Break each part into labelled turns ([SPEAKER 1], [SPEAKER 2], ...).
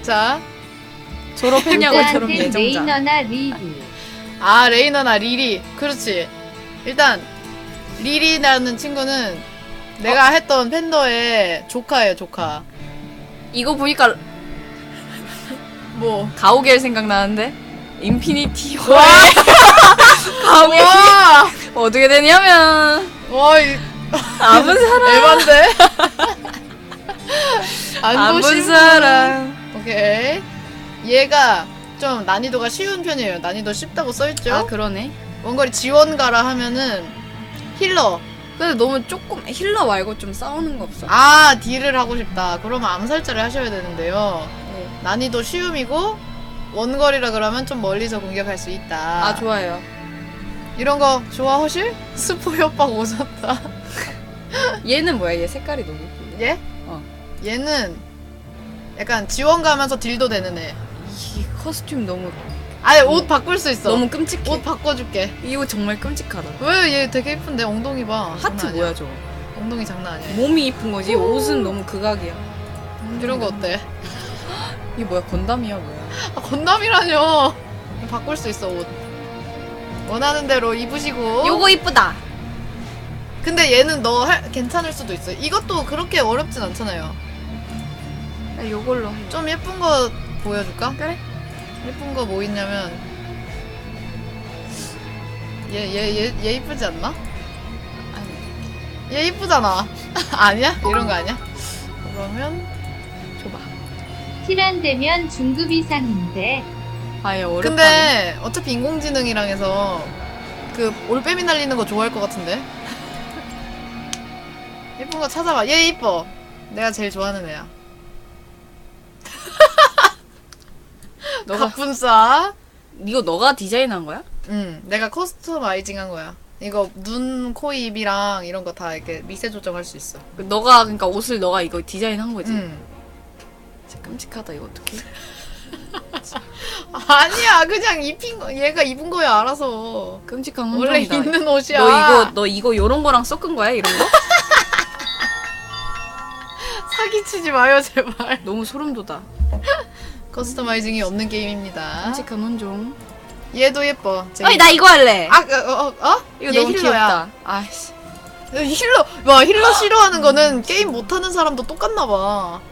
[SPEAKER 1] 자,
[SPEAKER 2] 졸업했냐고 저런
[SPEAKER 3] 부자한텐
[SPEAKER 2] 예정자.
[SPEAKER 3] 레이너나 리리.
[SPEAKER 1] 아 레이너나 리리. 그렇지. 일단 리리라는 친구는 내가 했던 팬더의 조카예요, 조카.
[SPEAKER 2] 이거 보니까
[SPEAKER 1] 뭐?
[SPEAKER 2] 가오갤 생각나는데? 인피니티
[SPEAKER 1] 와!
[SPEAKER 2] 가오갤
[SPEAKER 1] 와!
[SPEAKER 2] 어떻게 되냐면
[SPEAKER 1] 와, 이
[SPEAKER 2] 아무 사람
[SPEAKER 1] 에반데?
[SPEAKER 2] 아무
[SPEAKER 1] 안보신
[SPEAKER 2] 사람.
[SPEAKER 1] 오케이. 얘가 좀 난이도가 쉬운 편이에요. 난이도 쉽다고 써있죠?
[SPEAKER 2] 아 그러네.
[SPEAKER 1] 원거리 지원가라 하면은 힐러.
[SPEAKER 2] 근데 너무 조금 힐러 말고 좀 싸우는 거 없어?
[SPEAKER 1] 아, 딜을 하고 싶다. 그러면 암살자를 하셔야 되는데요.
[SPEAKER 2] 네.
[SPEAKER 1] 난이도 쉬움이고 원거리라 그러면 좀 멀리서 공격할 수 있다.
[SPEAKER 2] 아 좋아요.
[SPEAKER 1] 이런 거 좋아, 허실? 스포 협박 오셨다.
[SPEAKER 2] 얘는 뭐야? 얘 색깔이 너무 예쁘네.
[SPEAKER 1] 얘?
[SPEAKER 2] 어.
[SPEAKER 1] 얘는 약간 지원 가면서 딜도 되는 애.
[SPEAKER 2] 이 커스튬 너무
[SPEAKER 1] 아니, 옷 바꿀 수 있어.
[SPEAKER 2] 너무 끔찍해.
[SPEAKER 1] 옷 바꿔줄게.
[SPEAKER 2] 이 옷 정말 끔찍하다.
[SPEAKER 1] 왜? 얘 되게 예쁜데 엉덩이 봐.
[SPEAKER 2] 하트
[SPEAKER 1] 장난 아니야.
[SPEAKER 2] 뭐야 저거?
[SPEAKER 1] 엉덩이 장난 아니야.
[SPEAKER 2] 몸이 이쁜 거지. 옷은 너무 극악이야.
[SPEAKER 1] 이런 거 어때?
[SPEAKER 2] 이게 뭐야? 건담이야 뭐야?
[SPEAKER 1] 아, 건담이라뇨. 바꿀 수 있어, 옷. 원하는 대로 입으시고.
[SPEAKER 2] 요거 이쁘다.
[SPEAKER 1] 근데 얘는 괜찮을 수도 있어. 이것도 그렇게 어렵진 않잖아요.
[SPEAKER 2] 야, 요걸로 해.
[SPEAKER 1] 좀 예쁜 거 보여줄까?
[SPEAKER 2] 그래?
[SPEAKER 1] 예쁜 거 뭐 있냐면 얘 이쁘지 않나?
[SPEAKER 2] 아니
[SPEAKER 1] 얘 이쁘잖아. 아니야? 이런 거 아니야? 그러면
[SPEAKER 2] 줘봐.
[SPEAKER 3] 티란 되면 중급 이상인데.
[SPEAKER 2] 아예 어렵다.
[SPEAKER 1] 근데 어차피 인공지능이랑 해서 그 올빼미 날리는 거 좋아할 것 같은데? 예쁜 거 찾아봐. 얘 이뻐. 내가 제일 좋아하는 애야.
[SPEAKER 2] 너가
[SPEAKER 1] 갑분싸.
[SPEAKER 2] 이거 너가 디자인한 거야?
[SPEAKER 1] 응, 내가 커스터마이징 한 거야. 이거 눈, 코, 입이랑 이런 거 다 이렇게 미세 조정할 수 있어.
[SPEAKER 2] 너가 그러니까 옷을 너가 이거 디자인한 거지.
[SPEAKER 1] 응.
[SPEAKER 2] 진짜 끔찍하다 이거 어떡해?
[SPEAKER 1] 아니야, 그냥 얘가 입은 거야, 알아서.
[SPEAKER 2] 끔찍한
[SPEAKER 1] 원래
[SPEAKER 2] 혼종이다.
[SPEAKER 1] 입는 옷이야.
[SPEAKER 2] 너 이거 요런 거랑 섞은 거야 이런 거?
[SPEAKER 1] 사기치지 마요, 제발.
[SPEAKER 2] 너무 소름 돋아.
[SPEAKER 1] 커스터마이징이 없는 게임입니다.
[SPEAKER 2] 끔찍한 혼종.
[SPEAKER 1] 얘도 예뻐.
[SPEAKER 2] 아니 나 이거 할래.
[SPEAKER 1] 얘
[SPEAKER 2] 이거 너무
[SPEAKER 1] 힐러야.
[SPEAKER 2] 귀엽다. 아이씨.
[SPEAKER 1] 힐러 싫어하는 거는 게임 못하는 사람도 똑같나 봐.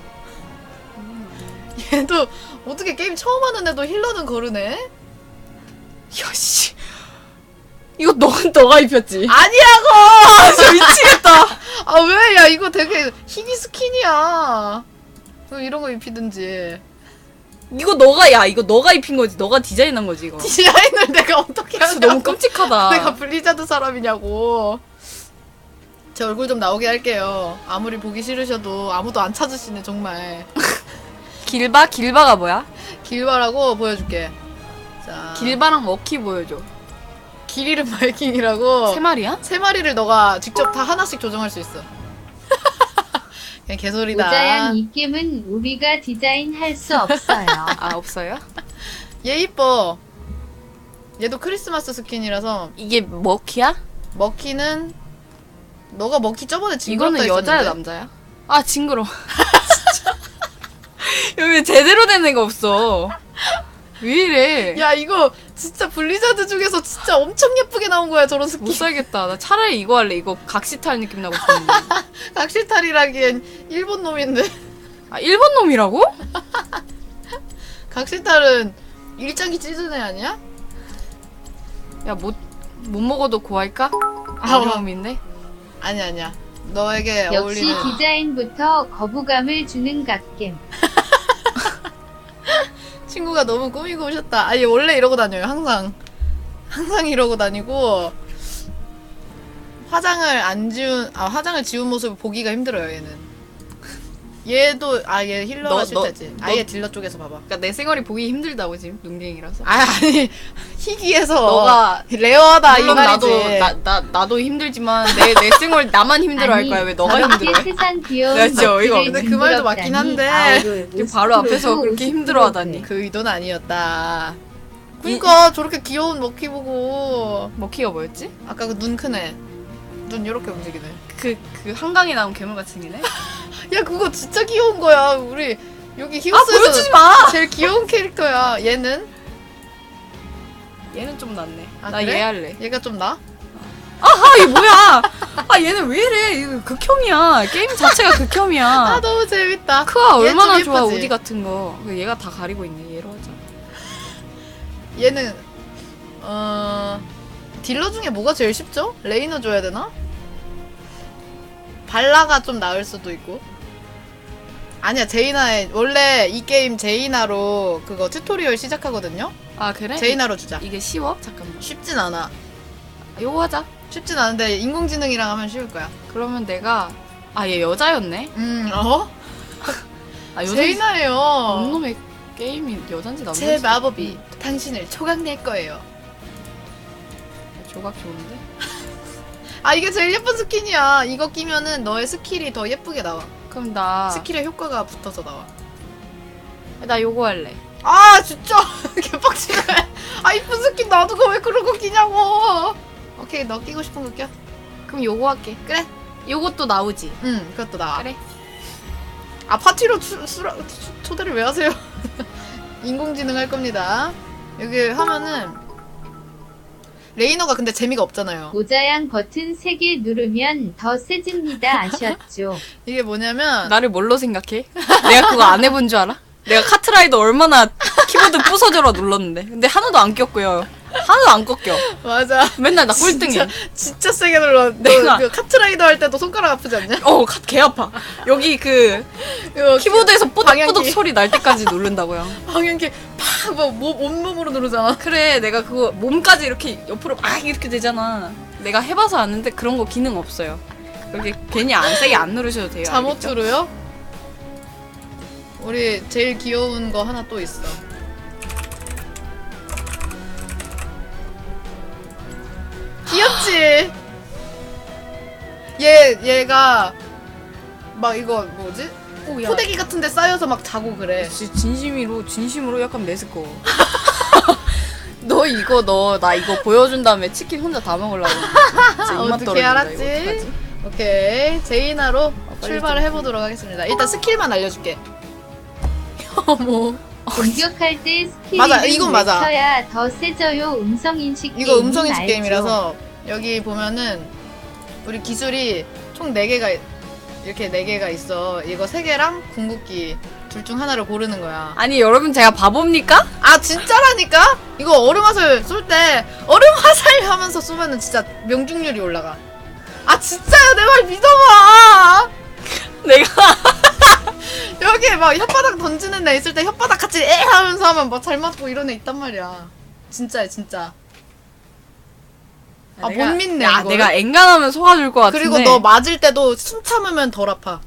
[SPEAKER 1] 얘도 어떻게 게임 처음 하는 애도 힐러는 거르네?
[SPEAKER 2] 야씨. 이거 너가 입혔지?
[SPEAKER 1] 아니라고!
[SPEAKER 2] 진짜 미치겠다.
[SPEAKER 1] 아, 왜? 야, 이거 되게 희귀 스킨이야. 왜 이런 거 입히든지.
[SPEAKER 2] 이거 너가 입힌 거지. 너가 디자인한 거지 이거.
[SPEAKER 1] 디자인을 내가 어떻게
[SPEAKER 2] 진짜
[SPEAKER 1] 하냐고.
[SPEAKER 2] 너무 끔찍하다.
[SPEAKER 1] 내가 블리자드 사람이냐고. 제 얼굴 좀 나오게 할게요. 아무리 보기 싫으셔도 아무도 안 찾으시네, 정말.
[SPEAKER 2] 길바가 뭐야?
[SPEAKER 1] 길바라고 보여줄게. 자,
[SPEAKER 2] 길바랑 머키 보여줘.
[SPEAKER 1] 길 이름 바이킹이라고.
[SPEAKER 2] 세 마리야?
[SPEAKER 1] 세 마리를 너가 직접 다 하나씩 조정할 수 있어. 그냥 개소리다.
[SPEAKER 3] 모자양 이 게임은 우리가 디자인할 수 없어요.
[SPEAKER 2] 아 없어요?
[SPEAKER 1] 얘 이뻐. 얘도 크리스마스 스킨이라서.
[SPEAKER 2] 이게 머키야?
[SPEAKER 1] 머키는 너가 머키 저번에 징그럽다
[SPEAKER 2] 이거는 여자야
[SPEAKER 1] 했었는데.
[SPEAKER 2] 남자야? 아 징그러. 진짜. 여기 제대로 된 애가 없어. 왜 이래?
[SPEAKER 1] 야, 이거 진짜 블리자드 중에서 진짜 엄청 예쁘게 나온 거야, 저런 스킨.
[SPEAKER 2] 못 살겠다. 나 차라리 이거 할래. 이거 각시탈 느낌 나고 싶은데.
[SPEAKER 1] 각시탈이라기엔 일본 놈인데.
[SPEAKER 2] 아 일본 놈이라고?
[SPEAKER 1] 각시탈은 일장기 찢은 애 아니야?
[SPEAKER 2] 야 못 먹어도 고할까?
[SPEAKER 1] 아,
[SPEAKER 2] 어려움인데.
[SPEAKER 1] 아니야. 너에게
[SPEAKER 3] 역시
[SPEAKER 1] 어울리는.
[SPEAKER 3] 디자인부터 거부감을 주는 갓겜.
[SPEAKER 1] 친구가 너무 꾸미고 오셨다. 아니, 원래 이러고 다녀요, 항상. 항상 이러고 다니고. 화장을 지운 모습을 보기가 힘들어요, 얘는. 얘도, 얘 힐러가 싫다지. 아예 딜러 쪽에서 봐봐.
[SPEAKER 2] 그러니까 내 생활이 보기 힘들다고 지금 눈갱이라서.
[SPEAKER 1] 아니, 희귀해서.
[SPEAKER 2] 너가
[SPEAKER 1] 레어다, 이
[SPEAKER 2] 물론
[SPEAKER 1] 말이지.
[SPEAKER 2] 나도 힘들지만 내 생활 나만 힘들어할 거야. 왜 너가
[SPEAKER 3] 저렇게
[SPEAKER 2] 힘들어해?
[SPEAKER 3] 세상 귀여운
[SPEAKER 2] 나 진짜 어이가
[SPEAKER 3] 것들을
[SPEAKER 1] 없네. 그 말도 맞긴
[SPEAKER 3] 징그럽다니.
[SPEAKER 1] 한데.
[SPEAKER 3] 아우를
[SPEAKER 2] 지금 바로 앞에서
[SPEAKER 3] 50%도
[SPEAKER 2] 그렇게 힘들어하다니.
[SPEAKER 1] 그 의도는 아니었다. 그니까 저렇게 귀여운 머키 보고
[SPEAKER 2] 머키가 뭐였지?
[SPEAKER 1] 아까 그 눈 크네. 눈 요렇게 움직이네.
[SPEAKER 2] 그 한강에 나온 괴물같이 생기네?
[SPEAKER 1] 야, 그거 진짜 귀여운 거야. 우리 여기
[SPEAKER 2] 아
[SPEAKER 1] 히오스에서
[SPEAKER 2] 보여주지 마.
[SPEAKER 1] 제일 귀여운 캐릭터야. 얘는?
[SPEAKER 2] 얘는 좀 낫네.
[SPEAKER 1] 아,
[SPEAKER 2] 나
[SPEAKER 1] 그래?
[SPEAKER 2] 얘 할래.
[SPEAKER 1] 얘가 좀 나?
[SPEAKER 2] 아 이게 뭐야? 아 얘는 왜 이래? 이거 극혐이야. 게임 자체가 극혐이야.
[SPEAKER 1] 아 너무 재밌다.
[SPEAKER 2] 크아
[SPEAKER 1] 얘
[SPEAKER 2] 얼마나
[SPEAKER 1] 좀
[SPEAKER 2] 좋아
[SPEAKER 1] 예쁘지?
[SPEAKER 2] 우디 같은 거. 얘가 다 가리고 있네. 얘로 하자.
[SPEAKER 1] 얘는 딜러 중에 뭐가 제일 쉽죠? 레이너 줘야 되나? 발라가 좀 나을 수도 있고. 아니야, 제이나의 원래 이 게임 제이나로 그거 튜토리얼 시작하거든요.
[SPEAKER 2] 아 그래?
[SPEAKER 1] 제이나로 주자.
[SPEAKER 2] 이게 쉬워? 잠깐만.
[SPEAKER 1] 쉽진 않아.
[SPEAKER 2] 아, 요거 하자.
[SPEAKER 1] 쉽진 않은데 인공지능이랑 하면 쉬울 거야.
[SPEAKER 2] 그러면 내가 얘 여자였네.
[SPEAKER 1] 어?
[SPEAKER 2] 아
[SPEAKER 1] 제이나예요.
[SPEAKER 2] 놈의 게임이 여잔지 남잔지.
[SPEAKER 1] 제 마법이 당신을 초강낼 거예요.
[SPEAKER 2] 조각 좋은데?
[SPEAKER 1] 아, 이게 제일 예쁜 스킨이야. 이거 끼면은 너의 스킬이 더 예쁘게 나와.
[SPEAKER 2] 그럼 나
[SPEAKER 1] 스킬의 효과가 붙어서 나와.
[SPEAKER 2] 요거 할래.
[SPEAKER 1] 아, 진짜 개빡치네. 아, 이쁜 스킨 놔두고 왜 그런 거 끼냐고. 오케이, 너 끼고 싶은 거 껴.
[SPEAKER 2] 그럼 요거 할게.
[SPEAKER 1] 그래.
[SPEAKER 2] 요것도 나오지.
[SPEAKER 1] 응, 그것도 나와.
[SPEAKER 2] 그래.
[SPEAKER 1] 아, 파티로 초대를 왜 하세요? 인공지능 할 겁니다. 여기 하면은 레이너가 근데 재미가 없잖아요.
[SPEAKER 3] 모자양 버튼 3개 누르면 더 세집니다. 아셨죠?
[SPEAKER 1] 이게 뭐냐면
[SPEAKER 2] 나를 뭘로 생각해? 내가 그거 안 해본 줄 알아? 내가 카트라이더 얼마나 키보드 부서져라 눌렀는데. 근데 하나도 안 꼈고요. 하나도 안 꺾여.
[SPEAKER 1] 맞아.
[SPEAKER 2] 맨날 나 꼴등해.
[SPEAKER 1] 진짜 세게 눌러.
[SPEAKER 2] 내가-
[SPEAKER 1] 그 카트라이더 할 때도 손가락 아프지 않냐?
[SPEAKER 2] 개 아파. 여기 그
[SPEAKER 1] 이거
[SPEAKER 2] 키보드에서 뽀득뽀득
[SPEAKER 1] 방향키.
[SPEAKER 2] 소리 날 때까지 누른다고요.
[SPEAKER 1] 방향키 팍막 온몸으로 누르잖아.
[SPEAKER 2] 그래, 내가 그거 몸까지 이렇게 옆으로 막 이렇게 되잖아. 내가 해봐서 아는데 그런 거 기능 없어요. 그렇게 괜히 안 세게 안 누르셔도 돼요. 알겠죠?
[SPEAKER 1] 잠옷으로요? 우리 제일 귀여운 거 하나 또 있어. 귀엽지? 얘가 막 이거 뭐지?
[SPEAKER 2] 오, 야.
[SPEAKER 1] 포대기 같은 데 쌓여서 막 자고 그래.
[SPEAKER 2] 진심으로 약간 매스꺼워. 나 이거 보여준 다음에 치킨 혼자 다 먹으려고. 진짜 입맛
[SPEAKER 1] 어떻게
[SPEAKER 2] 떨어진다,
[SPEAKER 1] 알았지?
[SPEAKER 2] 이거 어떡하지?
[SPEAKER 1] 오케이, 제이나로
[SPEAKER 2] 빨리
[SPEAKER 1] 출발을
[SPEAKER 2] 좀.
[SPEAKER 1] 해보도록 하겠습니다. 일단 스킬만 알려줄게. 어머,
[SPEAKER 3] 공격할 때 스킬
[SPEAKER 1] 맞아, 이건 맞아.
[SPEAKER 3] 쳐야 더 세져요. 음성인식
[SPEAKER 1] 이거
[SPEAKER 3] 게임
[SPEAKER 1] 음성인식
[SPEAKER 3] 알죠?
[SPEAKER 1] 게임이라서 여기 보면은 우리 기술이 총 4개가 이렇게 4개가 있어. 이거 3개랑 궁극기 둘 중 하나를 고르는 거야.
[SPEAKER 2] 아니 여러분 제가 바보입니까?
[SPEAKER 1] 아, 진짜라니까? 이거 얼음 화살 쏠 때 얼음 화살 하면서 쏘면은 진짜 명중률이 올라가. 아, 진짜야, 내 말 믿어봐.
[SPEAKER 2] 내가
[SPEAKER 1] 여기 막 혓바닥 던지는 애 있을 때 혓바닥 같이 에 하면서 하면 막 잘 맞고 이런 애 있단 말이야. 진짜야, 진짜. 아, 못 믿네,
[SPEAKER 2] 야,
[SPEAKER 1] 이거를.
[SPEAKER 2] 내가 엔간하면 속아줄 것 같은데.
[SPEAKER 1] 그리고 너 맞을 때도 숨 참으면 덜 아파.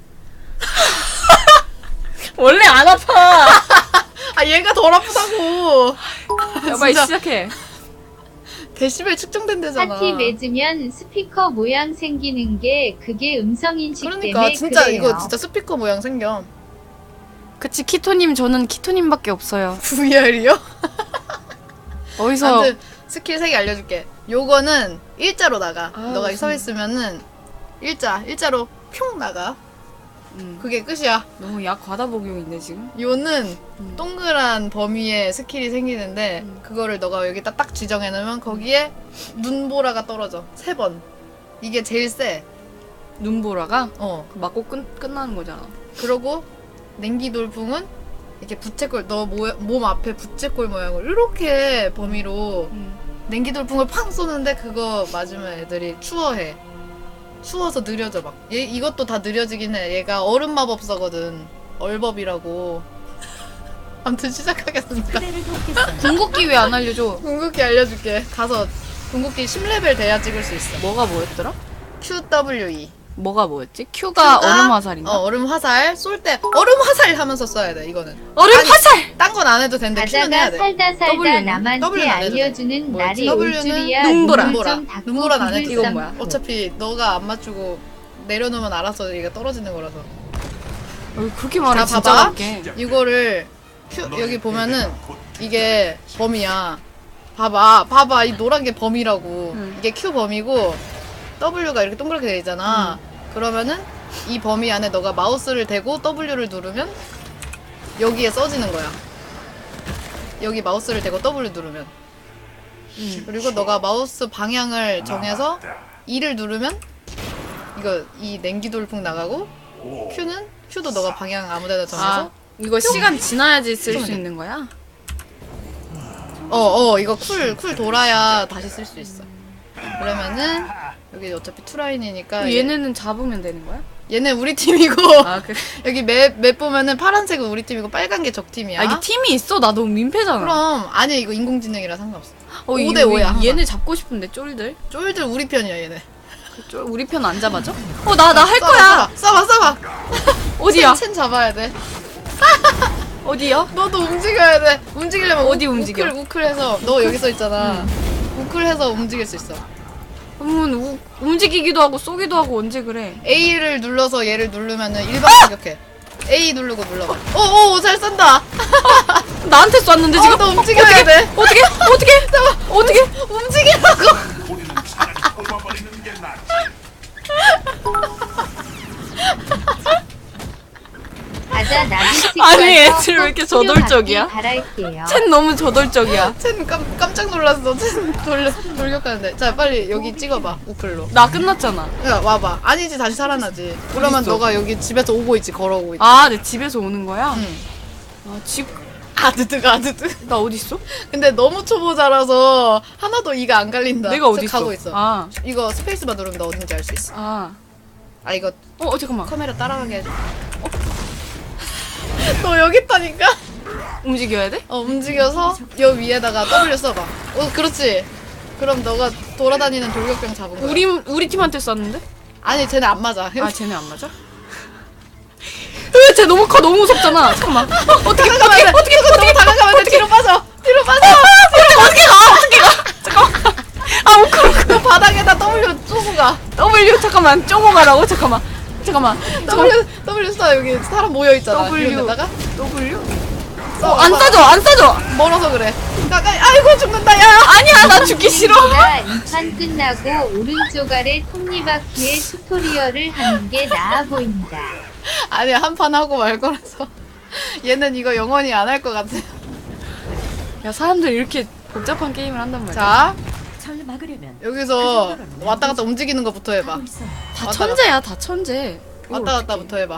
[SPEAKER 2] 원래 안 아파.
[SPEAKER 1] 아, 얘가 덜 아프다고.
[SPEAKER 2] 야, 빨리
[SPEAKER 1] 진짜.
[SPEAKER 2] 시작해.
[SPEAKER 1] 데시벨 측정된 데잖아.
[SPEAKER 3] 파티 맺으면 스피커 모양 생기는 게 그게 음성인식
[SPEAKER 1] 그러니까
[SPEAKER 3] 때문에
[SPEAKER 1] 진짜
[SPEAKER 3] 그래요.
[SPEAKER 1] 이거 진짜 스피커 모양 생겨.
[SPEAKER 2] 그치 키토님 저는 키토님밖에 없어요.
[SPEAKER 1] VR이요?
[SPEAKER 2] 어디서
[SPEAKER 1] 아무튼 스킬 3개 알려줄게. 요거는 일자로 나가.
[SPEAKER 2] 아,
[SPEAKER 1] 너가
[SPEAKER 2] 무슨-
[SPEAKER 1] 서 있으면은 일자로 뿅 나가. 그게 끝이야.
[SPEAKER 2] 너무 약 과다 복용인데 지금.
[SPEAKER 1] 요는 동그란 범위에 스킬이 생기는데 그거를 너가 여기다 딱 지정해놓으면 거기에 눈보라가 떨어져. 3번. 이게 제일 세.
[SPEAKER 2] 눈보라가
[SPEAKER 1] 어.
[SPEAKER 2] 맞고 끝나는 거잖아.
[SPEAKER 1] 그러고 냉기 돌풍은 이렇게 부채꼴 너 몸 앞에 부채꼴 모양을 이렇게 범위로 냉기 돌풍을 팡 쏘는데 그거 맞으면 애들이 추워해. 추워서 느려져 막. 이것도 다 느려지긴 해. 얘가 얼음 마법사거든. 얼법이라고. 아무튼 시작하겠습니다.
[SPEAKER 2] 궁극기 왜 안 알려줘?
[SPEAKER 1] 궁극기 알려줄게. 가서 궁극기 10레벨 돼야 찍을 수 있어.
[SPEAKER 2] 뭐가 뭐였더라?
[SPEAKER 1] QWE.
[SPEAKER 2] 뭐가 뭐였지? Q가 얼음 화살인가?
[SPEAKER 1] 얼음 화살 쏠 때 얼음 화살 하면서 써야 돼. 이거는.
[SPEAKER 2] 얼음
[SPEAKER 1] 아니,
[SPEAKER 2] 화살!
[SPEAKER 1] 딴 건 안 해도 되는데 Q는 해야
[SPEAKER 3] 가다가
[SPEAKER 1] 돼.
[SPEAKER 3] 살다 살다
[SPEAKER 2] W는?
[SPEAKER 3] 남한테
[SPEAKER 1] W는 안 해도 돼.
[SPEAKER 3] 알려주는
[SPEAKER 1] 뭐였지?
[SPEAKER 3] 날이 올
[SPEAKER 1] W는
[SPEAKER 3] 줄이야.
[SPEAKER 2] 눈보라.
[SPEAKER 3] 눈물 좀 닦고
[SPEAKER 1] 눈보라는 안 해도
[SPEAKER 3] 구글
[SPEAKER 2] 이건
[SPEAKER 3] 쌈.
[SPEAKER 2] 뭐야?
[SPEAKER 1] 어차피 너가 안 맞추고 내려놓으면 알아서 얘가 떨어지는 거라서.
[SPEAKER 2] 그렇게 말해
[SPEAKER 1] 자,
[SPEAKER 2] 진짜
[SPEAKER 1] 봐봐.
[SPEAKER 2] 맞게.
[SPEAKER 1] 이거를 여기 보면은 이게 범위야. 봐봐. 이 노란 게 범위라고. 이게 Q 범위고 W가 이렇게 동그랗게 돼 있잖아. 그러면은 이 범위 안에 너가 마우스를 대고 W를 누르면 여기에 써지는 거야. 여기 마우스를 대고 W 누르면. 그리고 너가 마우스 방향을 정해서 E를 누르면 이거 이 냉기 돌풍 나가고 Q도 너가 방향 아무데나 정해서
[SPEAKER 2] 아 이거 시간 지나야지 쓸 수 있는 거야?
[SPEAKER 1] 이거 쿨 돌아야 다시 쓸 수 있어. 그러면은 여기 어차피 투라인이니까
[SPEAKER 2] 얘네는 잡으면 되는 거야?
[SPEAKER 1] 얘는 우리 팀이고
[SPEAKER 2] 아 그래?
[SPEAKER 1] 여기 맵 보면은 파란색은 우리 팀이고 빨간 게 적 팀이야.
[SPEAKER 2] 아 이게 팀이 있어? 나 너무 민폐잖아.
[SPEAKER 1] 그럼 아니 이거 인공지능이라 상관없어.
[SPEAKER 2] 어,
[SPEAKER 1] 5대
[SPEAKER 2] 이거
[SPEAKER 1] 5야. 항상.
[SPEAKER 2] 얘네 잡고 싶은데 쫄들?
[SPEAKER 1] 쫄들 우리 편이야 얘네.
[SPEAKER 2] 우리 편 안 잡아줘? 나 할
[SPEAKER 1] 쏴봐,
[SPEAKER 2] 거야.
[SPEAKER 1] 쏴봐.
[SPEAKER 2] 어디야?
[SPEAKER 1] 첸 잡아야 돼.
[SPEAKER 2] 어디야?
[SPEAKER 1] 너도 움직여야 돼. 움직이려면
[SPEAKER 2] 어디 움직여?
[SPEAKER 1] 우클해서 너 여기 써 있잖아. 우클해서 움직일 수 있어.
[SPEAKER 2] 그러면 움직이기도 하고 쏘기도 하고 언제 그래?
[SPEAKER 1] A를 눌러서 얘를 누르면은 일반 공격해. A 누르고 눌러봐. 오, 잘 쏜다.
[SPEAKER 2] 나한테 쐈는데 지금?
[SPEAKER 1] 너 움직여야 돼.
[SPEAKER 2] 어떻게?
[SPEAKER 1] 움직이라고.
[SPEAKER 4] 우리는 차라리 뽑아버리는 게 낫지.
[SPEAKER 3] 가자 나비
[SPEAKER 2] 아니, 애들 왜 이렇게 저돌적이야?
[SPEAKER 3] 바랄게요.
[SPEAKER 2] 쟨 너무 저돌적이야.
[SPEAKER 1] 첸 깜짝 놀랐어. 첸 돌격하는데. 자, 빨리 여기 찍어봐. 우클로.
[SPEAKER 2] 나 끝났잖아.
[SPEAKER 1] 야, 와봐. 아니지, 다시 살아나지. 그러면
[SPEAKER 2] 어딨어?
[SPEAKER 1] 너가 여기 집에서 오고 있지, 걸어오고 있지.
[SPEAKER 2] 아, 내 집에서 오는 거야?
[SPEAKER 1] 응.
[SPEAKER 2] 아, 집,
[SPEAKER 1] 아드드.
[SPEAKER 2] 나 어딨어?
[SPEAKER 1] 근데 너무 초보자라서 하나도 이가 안 갈린다.
[SPEAKER 2] 내가
[SPEAKER 1] 저
[SPEAKER 2] 어딨어?
[SPEAKER 1] 가고 있어.
[SPEAKER 2] 아,
[SPEAKER 1] 이거 스페이스바 누르면 너 어딘지 알 수 있어. 이거
[SPEAKER 2] 잠깐만.
[SPEAKER 1] 카메라 따라가게 해줘. 너 여기 있다니까?
[SPEAKER 2] 움직여야 돼?
[SPEAKER 1] 움직여서 여 위에다가 W 써봐. 그렇지. 그럼 너가 돌아다니는 돌격병 잡은 거야.
[SPEAKER 2] 우리 팀한테 쐈는데?
[SPEAKER 1] 아니, 쟤네 안 맞아.
[SPEAKER 2] 아, 쟤네 안 맞아? 쟤 너무 커, 너무 무섭잖아. 잠깐만.
[SPEAKER 1] 어떻게 너무 다가가면 돼. 뒤로 빠져.
[SPEAKER 2] 어떻게 가? 잠깐만. 아, 우크로.
[SPEAKER 1] 너 바닥에다 W 쏘고 가.
[SPEAKER 2] W, 잠깐만. 쪼고 가라고? 잠깐만.
[SPEAKER 1] W 써. 여기 사람 모여 있잖아.
[SPEAKER 2] W.
[SPEAKER 1] 이런 데다가
[SPEAKER 2] W?
[SPEAKER 1] 써.
[SPEAKER 2] 안 싸줘.
[SPEAKER 1] 멀어서 그래. 가까이. 아이고 죽는다. 야.
[SPEAKER 2] 아니야, 나 죽기 싫어.
[SPEAKER 3] 이판 끝나고 오른쪽 아래 톱니바퀴의 튜토리얼을 하는 게 나아 보인다.
[SPEAKER 1] 아니, 한 판 하고 말 거라서. 얘는 이거 영원히 안 할 것 같아.
[SPEAKER 2] 야, 사람들 이렇게 복잡한 게임을 한단 말이야.
[SPEAKER 1] 자,
[SPEAKER 5] 절 막으려면
[SPEAKER 1] 여기서 왔다 갔다 움직이는 거부터 해봐.
[SPEAKER 2] 다 천재야, 다 천재.
[SPEAKER 1] 왔다 갔다부터 해봐.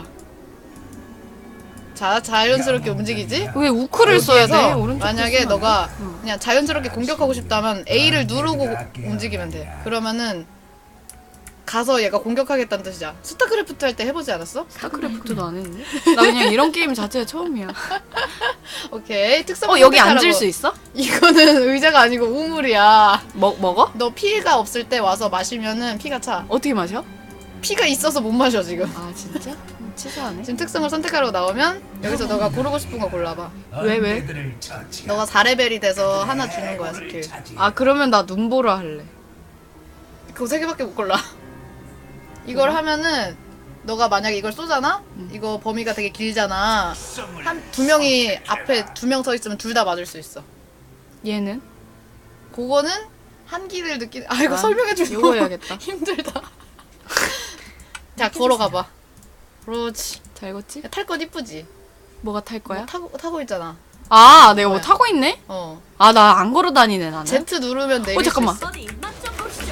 [SPEAKER 1] 자, 자연스럽게 움직이지?
[SPEAKER 2] 왜 우크를 써야 돼?
[SPEAKER 1] 여기에서
[SPEAKER 2] 오른쪽
[SPEAKER 1] 만약에
[SPEAKER 2] 쓰면 안
[SPEAKER 1] 너가
[SPEAKER 2] 돼? 응.
[SPEAKER 1] 그냥 자연스럽게 공격하고 싶다면 A를 누르고 움직이면 돼. 그러면은 가서 얘가 공격하겠다는 뜻이야. 스타크래프트 할 때 해보지 않았어?
[SPEAKER 2] 스타크래프트도 안 했는데? 나 그냥 이런 게임 자체가 처음이야.
[SPEAKER 1] 오케이. 특성
[SPEAKER 2] 여기
[SPEAKER 1] 선택하라고.
[SPEAKER 2] 앉을 수 있어?
[SPEAKER 1] 이거는 의자가 아니고 우물이야.
[SPEAKER 2] 먹어?
[SPEAKER 1] 너 피가 없을 때 와서 마시면은 피가 차.
[SPEAKER 2] 어떻게 마셔?
[SPEAKER 1] 피가 있어서 못 마셔 지금.
[SPEAKER 2] 아, 진짜? 치사하네.
[SPEAKER 1] 지금 특성을 선택하라고 나오면 여기서 너가 고르고 싶은 거 골라봐.
[SPEAKER 2] 왜?
[SPEAKER 1] 너가 4레벨이 돼서 하나 주는 거야 스킬.
[SPEAKER 2] 아, 그러면 나 눈보라 할래.
[SPEAKER 1] 그거 3개밖에 못 골라. 이걸 하면은 너가 만약에 이걸 쏘잖아? 이거 범위가 되게 길잖아. 두 명이 앞에 2명 서 있으면 둘 다 맞을 수 있어.
[SPEAKER 2] 얘는?
[SPEAKER 1] 그거는 한기를 느끼는. 아, 이거 설명해 주려고
[SPEAKER 2] 이거 해야겠다.
[SPEAKER 1] 힘들다. 자, 걸어가봐. 그렇지.
[SPEAKER 2] 잘 걷지?
[SPEAKER 1] 탈 건 이쁘지?
[SPEAKER 2] 뭐가 탈 거야?
[SPEAKER 1] 타고 있잖아.
[SPEAKER 2] 아, 내가 뭐
[SPEAKER 1] 뭐야?
[SPEAKER 2] 타고 있네?
[SPEAKER 1] 어.
[SPEAKER 2] 아, 나 안 걸어 다니네, 나는.
[SPEAKER 1] Z 누르면 내릴
[SPEAKER 2] 잠깐만.
[SPEAKER 1] 수 있어.
[SPEAKER 5] 어디 맛좀 보시죠.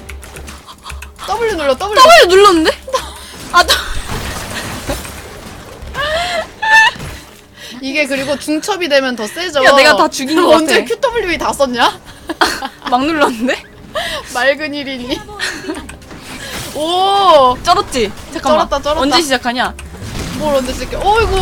[SPEAKER 1] W 눌러. W.
[SPEAKER 2] W 눌렀는데? 아,
[SPEAKER 1] 이게 그리고 중첩이 되면 더 세져.
[SPEAKER 2] 야, 내가 다 죽인 것
[SPEAKER 1] 언제
[SPEAKER 2] 같아.
[SPEAKER 1] QW 다 썼냐?
[SPEAKER 2] 막 눌렀는데?
[SPEAKER 1] 맑은 일이니. 오!
[SPEAKER 2] 쩔었지? 잠깐만.
[SPEAKER 1] 쩔었다.
[SPEAKER 2] 언제 시작하냐?
[SPEAKER 1] 뭘 언제 쓸게? 어이구!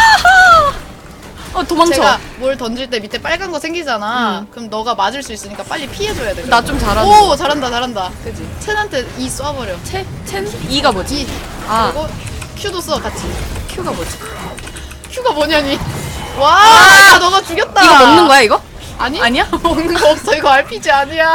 [SPEAKER 2] 도망쳐.
[SPEAKER 1] 제가 뭘 던질 때 밑에 빨간 거 생기잖아. 그럼 너가 맞을 수 있으니까 빨리 피해줘야 돼.
[SPEAKER 2] 나 좀 잘하는
[SPEAKER 1] 오! 잘한다.
[SPEAKER 2] 그지?
[SPEAKER 1] 첸한테 E 쏴버려.
[SPEAKER 2] 첸? E가 뭐지?
[SPEAKER 1] E.
[SPEAKER 2] 아,
[SPEAKER 1] 그리고 Q도 써, 같이.
[SPEAKER 2] Q가 뭐지?
[SPEAKER 1] Q가 뭐냐니. 와! 야, 너가 죽였다.
[SPEAKER 2] 이거 먹는 거야, 이거?
[SPEAKER 1] 아니?
[SPEAKER 2] 아니야?
[SPEAKER 1] 먹는 거 없어. 이거 RPG 아니야.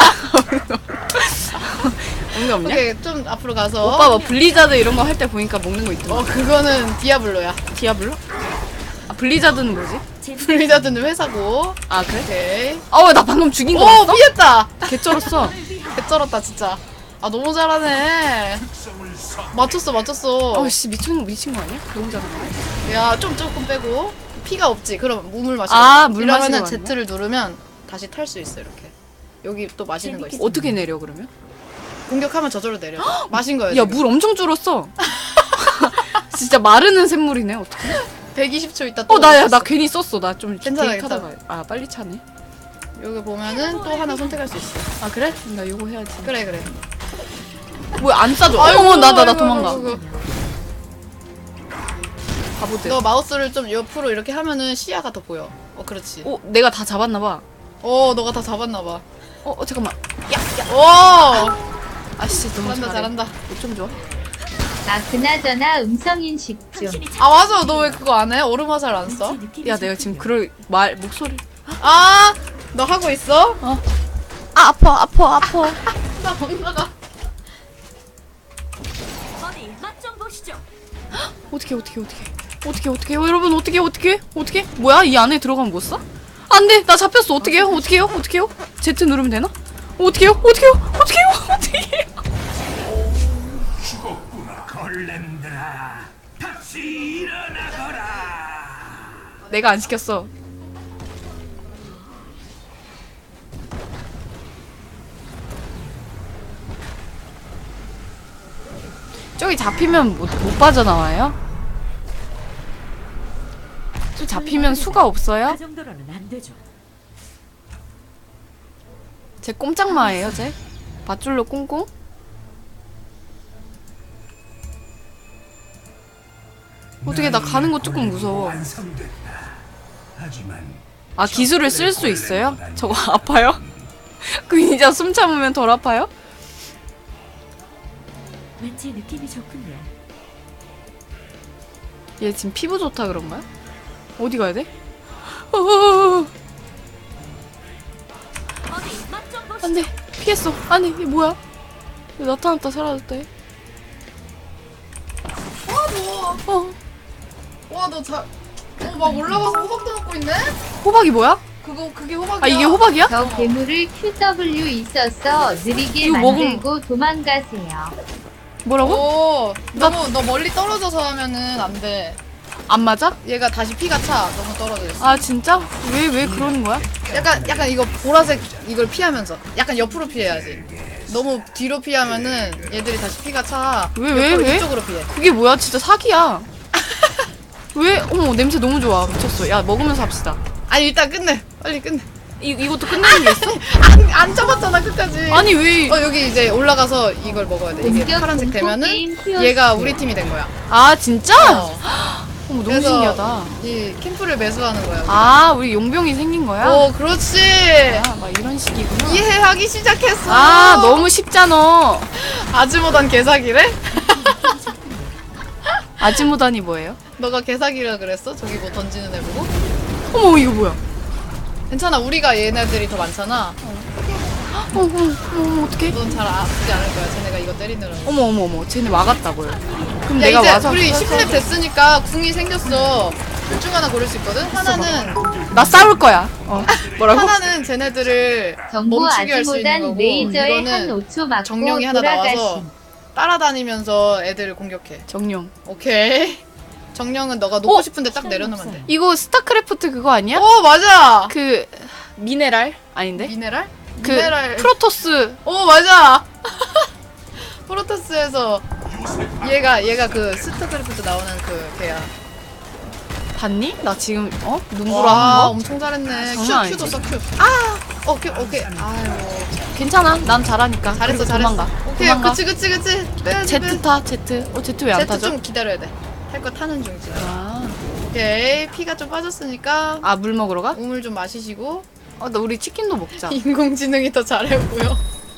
[SPEAKER 2] 먹는 거 없냐?
[SPEAKER 1] 오케이, 좀 앞으로 가서.
[SPEAKER 2] 오빠 뭐 블리자드 이런 거 할 때 보니까 먹는 거 있더만.
[SPEAKER 1] 그거는 디아블로야.
[SPEAKER 2] 디아블로? 아, 블리자드는 뭐지?
[SPEAKER 1] 블리자드는 회사고.
[SPEAKER 2] 아, 그래?
[SPEAKER 1] 오케이.
[SPEAKER 2] 나 방금 죽인 거
[SPEAKER 1] 오,
[SPEAKER 2] 봤어?
[SPEAKER 1] 피했다.
[SPEAKER 2] 개쩔었어.
[SPEAKER 1] 개쩔었다, 진짜. 아, 너무 잘하네. 맞췄어.
[SPEAKER 2] 씨, 미친 거 아니야? 너무 잘하네.
[SPEAKER 1] 야, 조금 빼고. 피가 없지. 그럼 물 마시고.
[SPEAKER 2] 아, 물
[SPEAKER 1] 이러면은
[SPEAKER 2] 마시러
[SPEAKER 1] Z를 누르면 다시 탈 수 있어 이렇게. 여기 또 마시는 거 있어.
[SPEAKER 2] 어떻게 내려 그러면?
[SPEAKER 1] 공격하면 저절로 내려. 마신 거야.
[SPEAKER 2] 야, 물 엄청 줄었어. 진짜 마르는 샘물이네. 어떡해?
[SPEAKER 1] 120초 있다 또.
[SPEAKER 2] 나
[SPEAKER 1] 있었어.
[SPEAKER 2] 괜히 썼어. 나 좀
[SPEAKER 1] 괜찮아,
[SPEAKER 2] 하다가 아, 빨리 차네.
[SPEAKER 1] 여기 보면은 또 하나 선택할 수 있어.
[SPEAKER 2] 아, 그래? 나 이거 해야지.
[SPEAKER 1] 그래 그래.
[SPEAKER 2] 뭐야, 안 싸줘.
[SPEAKER 1] 아이고,
[SPEAKER 2] 나
[SPEAKER 1] 아이고,
[SPEAKER 2] 도망가.
[SPEAKER 1] 아이고.
[SPEAKER 2] 바보들.
[SPEAKER 1] 너 마우스를 좀 옆으로 이렇게 하면은 시야가 더 보여. 그렇지.
[SPEAKER 2] 내가 다 잡았나 봐.
[SPEAKER 1] 너가 다 잡았나 봐.
[SPEAKER 2] 잠깐만.
[SPEAKER 1] 오!
[SPEAKER 2] 아씨, 너무
[SPEAKER 1] 잘한다,
[SPEAKER 2] 잘해.
[SPEAKER 1] 잘한다.
[SPEAKER 2] 좀 좋아.
[SPEAKER 3] 아 그나저나 음성인식 좀.
[SPEAKER 1] 아 맞아, 너 왜 그거 안 해? 얼음 화살 안 써?
[SPEAKER 2] 야, 내가 지금 목소리.
[SPEAKER 1] 아, 너 하고 있어?
[SPEAKER 2] 아파.
[SPEAKER 1] 나 못 나가.
[SPEAKER 5] 어디 맛 좀 보시죠.
[SPEAKER 2] 어떻게 여러분 어떻게 뭐야, 이 안에 들어가면 못 사? 안돼, 나 잡혔어. 어떡해요? Z 누르면 되나? 어떡해요?
[SPEAKER 4] 죽었구나 걸렘들아. 다시 일어나거라.
[SPEAKER 2] 내가 안 시켰어. 저기 잡히면 못 빠져나와요? 저 잡히면 수가 없어요?
[SPEAKER 5] 그 정도로는 안 되죠.
[SPEAKER 2] 쟤 꼼짝마예요, 쟤? 밧줄로 꽁꽁? 어떻게 나 가는 거 조금 무서워.
[SPEAKER 4] 완성됐다. 하지만
[SPEAKER 2] 아, 기술을 쓸 수 있어요? 저거 아파요? 그 진짜 숨 참으면 덜 아파요?
[SPEAKER 5] 왠지 느낌이 좋군요.
[SPEAKER 2] 얘 지금 피부 좋다 그런가요? 어디 가야 돼? 어,
[SPEAKER 5] 어디 맛 좀 보시죠.
[SPEAKER 2] 안돼, 피했어. 아니, 이게 뭐야? 얘 나타났다 사라졌다 얘.
[SPEAKER 1] 와, 너 막 올라가서 호박도 먹고 있네?
[SPEAKER 2] 호박이 뭐야?
[SPEAKER 1] 그게 호박이야.
[SPEAKER 2] 아, 이게 호박이야?
[SPEAKER 3] 저 괴물을 QW 있어서 느리게
[SPEAKER 2] 이거
[SPEAKER 3] 만들고 도망가세요.
[SPEAKER 2] 뭐라고?
[SPEAKER 1] 너 멀리 떨어져서 하면은 안 돼.
[SPEAKER 2] 안 맞아?
[SPEAKER 1] 얘가 다시 피가 차. 너무 떨어져 있어.
[SPEAKER 2] 아, 진짜? 왜 그러는 거야?
[SPEAKER 1] 약간 이거 보라색 이걸 피하면서 약간 옆으로 피해야지. 너무 뒤로 피하면은 얘들이 다시 피가 차.
[SPEAKER 2] 왜?
[SPEAKER 1] 이쪽으로 피해.
[SPEAKER 2] 그게 뭐야? 진짜 사기야. 왜? 어머, 냄새 너무 좋아. 미쳤어. 야, 먹으면서 합시다.
[SPEAKER 1] 아니 일단 끝내. 빨리 끝내.
[SPEAKER 2] 이것도 끝내는 게 있어?
[SPEAKER 1] 안 잡았잖아 끝까지.
[SPEAKER 2] 아니, 왜?
[SPEAKER 1] 여기 이제 올라가서 이걸 먹어야 돼. 이게
[SPEAKER 3] 공격
[SPEAKER 1] 파란색
[SPEAKER 3] 공포
[SPEAKER 1] 되면은
[SPEAKER 3] 게임 키워주세요.
[SPEAKER 1] 얘가 우리 팀이 된 거야.
[SPEAKER 2] 아, 진짜?
[SPEAKER 1] 어.
[SPEAKER 2] 어머, 너무
[SPEAKER 1] 그래서
[SPEAKER 2] 신기하다.
[SPEAKER 1] 이 캠프를 매수하는 거야.
[SPEAKER 2] 아, 우리 용병이 생긴 거야?
[SPEAKER 1] 그렇지.
[SPEAKER 2] 아, 막 이런 식이구나.
[SPEAKER 1] 이해하기 시작했어.
[SPEAKER 2] 아, 너무 쉽잖아.
[SPEAKER 1] 아즈모단 개사기래?
[SPEAKER 2] 아지모단이 뭐예요?
[SPEAKER 1] 너가 개사기라 그랬어? 저기 뭐 던지는 애 보고?
[SPEAKER 2] 어머, 이거 뭐야?
[SPEAKER 1] 괜찮아, 우리가 얘네들이 더 많잖아.
[SPEAKER 2] 어머, 어떡해?
[SPEAKER 1] 넌 잘 아프지 않을 거야. 쟤네가 이거 때리느라.
[SPEAKER 2] 어머, 쟤네 막았다고요. 그럼
[SPEAKER 1] 야,
[SPEAKER 2] 내가
[SPEAKER 1] 이제
[SPEAKER 2] 와서
[SPEAKER 1] 우리 10렙 됐으니까 궁이 생겼어. 둘 중 하나 고를 수 있거든? 하나는
[SPEAKER 2] 나 싸울 거야. 뭐라고?
[SPEAKER 1] 하나는 쟤네들을
[SPEAKER 3] 정보
[SPEAKER 1] 멈추게 할 수 있는
[SPEAKER 3] 아지모단
[SPEAKER 1] 거고,
[SPEAKER 3] 레이저에 한
[SPEAKER 1] 이거는
[SPEAKER 3] 5초 맞고
[SPEAKER 1] 정령이 하나 나와서
[SPEAKER 3] 돌아가심.
[SPEAKER 1] 따라다니면서 애들을 공격해.
[SPEAKER 2] 정령.
[SPEAKER 1] 오케이. 정령은 너가 놓고 싶은데 딱 내려놓으면 돼.
[SPEAKER 2] 이거 스타크래프트 그거 아니야?
[SPEAKER 1] 맞아.
[SPEAKER 2] 그 미네랄 아닌데?
[SPEAKER 1] 미네랄?
[SPEAKER 2] 그
[SPEAKER 1] 미네랄.
[SPEAKER 2] 프로토스.
[SPEAKER 1] 맞아. 프로토스에서 얘가 그 스타크래프트 나오는 그 걔야.
[SPEAKER 2] 봤니? 나 지금 눈보라
[SPEAKER 1] 와,
[SPEAKER 2] 한 거?
[SPEAKER 1] 엄청 잘했네.
[SPEAKER 2] 장난
[SPEAKER 1] 큐도
[SPEAKER 2] 아니지?
[SPEAKER 1] 써 큐. 오케이. 아유.
[SPEAKER 2] 괜찮아. 난 잘하니까.
[SPEAKER 1] 잘했어,
[SPEAKER 2] 그리고
[SPEAKER 1] 잘했어.
[SPEAKER 2] 도망가.
[SPEAKER 1] 오케이,
[SPEAKER 2] 도망가.
[SPEAKER 1] 그치. 빼야지,
[SPEAKER 2] 제트 타, 제트. 제트 왜 안
[SPEAKER 1] 제트
[SPEAKER 2] 타죠?
[SPEAKER 1] 좀 기다려야 돼. 탈 거 타는 중 지금.
[SPEAKER 2] 아,
[SPEAKER 1] 오케이, 피가 좀 빠졌으니까
[SPEAKER 2] 물 먹으러 가?
[SPEAKER 1] 우물 좀 마시시고.
[SPEAKER 2] 나 우리 치킨도 먹자.
[SPEAKER 1] 인공지능이 더 잘해 보여.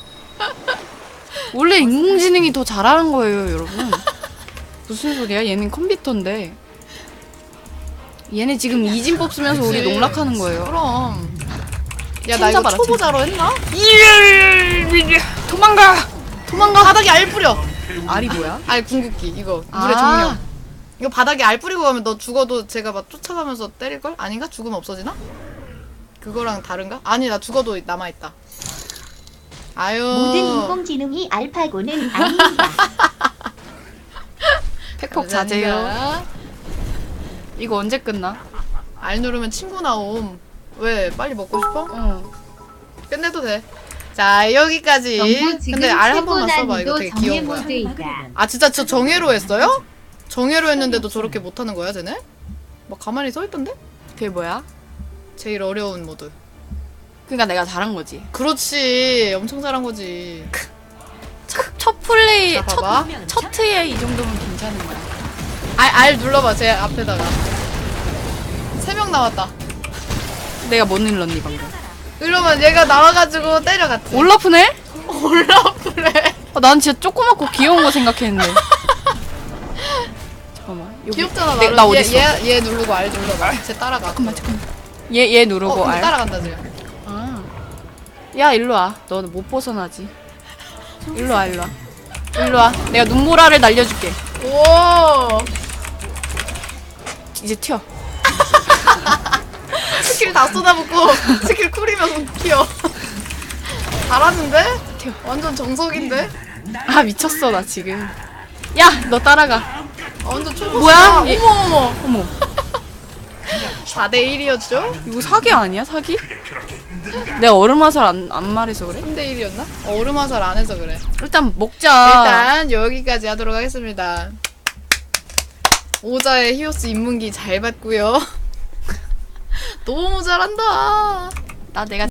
[SPEAKER 2] 원래 인공지능이 더 잘하는 거예요, 여러분. 무슨 소리야? 얘는 컴퓨터인데. 얘네 지금 이진법 쓰면서 우리
[SPEAKER 1] 그치.
[SPEAKER 2] 농락하는 거예요.
[SPEAKER 1] 그럼. 야, 나 이거
[SPEAKER 2] 잡아라,
[SPEAKER 1] 초보자로 했나?
[SPEAKER 2] 도망가!
[SPEAKER 1] 바닥에 알 뿌려.
[SPEAKER 2] 알이 뭐야?
[SPEAKER 1] 알 궁극기 이거
[SPEAKER 2] 아.
[SPEAKER 1] 물의 정령. 이거 바닥에 알 뿌리고 가면 너 죽어도 제가 막 쫓아가면서 때릴걸? 아닌가? 죽으면 없어지나? 그거랑 다른가? 아니 나 죽어도 남아있다. 아유.
[SPEAKER 6] 모든 인공지능이 알파고는 아닙니다.
[SPEAKER 2] 팩폭 자제요. 이거 언제 끝나?
[SPEAKER 1] 알 누르면 친구 나옴. 왜 빨리 먹고 싶어?
[SPEAKER 2] 어.
[SPEAKER 1] 끝내도 돼. 자 여기까지.
[SPEAKER 3] 정부 지금
[SPEAKER 1] 근데 알 한
[SPEAKER 3] 최고
[SPEAKER 1] 번만 써봐. 이거
[SPEAKER 3] 난이도
[SPEAKER 1] 되게
[SPEAKER 3] 정예
[SPEAKER 1] 귀여운 거야.
[SPEAKER 3] 모드이다.
[SPEAKER 1] 아 진짜 저 정예로 했어요? 정예로 했는데도 저렇게 못하는 거야 쟤네? 막 가만히 서 있던데?
[SPEAKER 2] 그게 뭐야?
[SPEAKER 1] 제일 어려운 모드.
[SPEAKER 2] 그러니까 내가 잘한 거지.
[SPEAKER 1] 그렇지. 엄청 잘한 거지.
[SPEAKER 2] 첫 플레이
[SPEAKER 1] 자, 봐봐.
[SPEAKER 2] 첫 트에 이 정도면 괜찮은 거야.
[SPEAKER 1] 알 눌러봐. 제 앞에다가. 3명 나왔다.
[SPEAKER 2] 내가 못 눌렀니 방금?
[SPEAKER 1] 이러면 얘가 나와가지고 때려갔지.
[SPEAKER 2] 올라프네?
[SPEAKER 1] 올라프래.
[SPEAKER 2] 난 진짜 조그맣고 귀여운 거 생각했는데. 잠깐만. 여기.
[SPEAKER 1] 귀엽잖아.
[SPEAKER 2] 나
[SPEAKER 1] 나름.
[SPEAKER 2] 어디 있어?
[SPEAKER 1] 얘 누르고 알 눌러봐. 쟤 따라가.
[SPEAKER 2] 잠깐만. 얘 누르고
[SPEAKER 1] 근데
[SPEAKER 2] 알.
[SPEAKER 1] 따라간다 지금.
[SPEAKER 2] 아. 야 일로 와. 너는 못 벗어나지. 일로 와 일로 와. 일로 와. 내가 눈보라를 날려줄게.
[SPEAKER 1] 오.
[SPEAKER 2] 이제 튀어.
[SPEAKER 1] 스킬 다 쏟아붓고 스킬 쿨이면 튀어. 잘하는데?
[SPEAKER 2] 튀어.
[SPEAKER 1] 완전 정석인데?
[SPEAKER 2] 아 미쳤어 나 지금. 야 너 따라가.
[SPEAKER 1] 아, 완전 초보.
[SPEAKER 2] 뭐야?
[SPEAKER 1] 어머
[SPEAKER 2] 얘-
[SPEAKER 1] 어머.
[SPEAKER 2] 어머.
[SPEAKER 1] 4대1이었죠?
[SPEAKER 2] 이거 사기 아니야 사기? 내가 얼음화살 안 말해서 그래?
[SPEAKER 1] 3대1이었나? 얼음화살 안 해서 그래.
[SPEAKER 2] 일단 먹자.
[SPEAKER 1] 일단 여기까지 하도록 하겠습니다. 오자의 히오스 입문기 잘 봤고요. 너무 잘한다.
[SPEAKER 2] 나 내가